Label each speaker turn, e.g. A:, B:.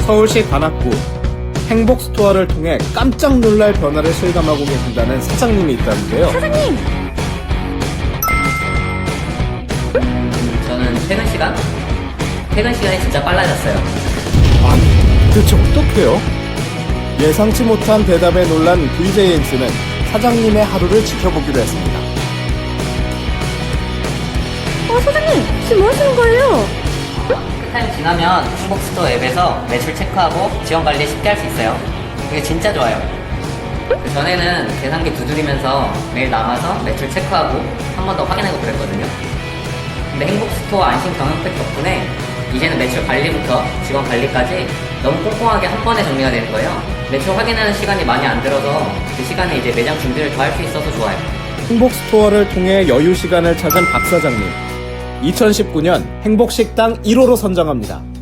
A: 서울시 관악구 행복스토어를 통해 깜짝 놀랄 변화를 실감하고 계신다는 사장님이 있다는데요.
B: 사장님!
C: 저는 퇴근 시간이 진짜 빨라졌어요.
A: 아니, 대체 어떡해요? 예상치 못한 대답에 놀란 VJNC는 사장님의 하루를 지켜보기로 했습니다.
B: 사장님! 지금 뭐 하시는 거예요?
C: 타임 지나면 행복스토어 앱에서 매출 체크하고 지원 관리 쉽게 할 수 있어요. 이게 진짜 좋아요. 그 전에는 계산기 두드리면서 매일 남아서 매출 체크하고 한 번 더 확인하고 그랬거든요. 근데 행복스토어 안심 경영팩 덕분에 이제는 매출 관리부터 직원 관리까지 너무 꼼꼼하게 한 번에 정리가 되는 거예요. 매출 확인하는 시간이 많이 안 들어서 그 시간에 이제 매장 준비를 더 할 수 있어서 좋아요.
A: 행복스토어를 통해 여유 시간을 찾은 박 사장님. 2019년 행복식당 1호로 선정합니다.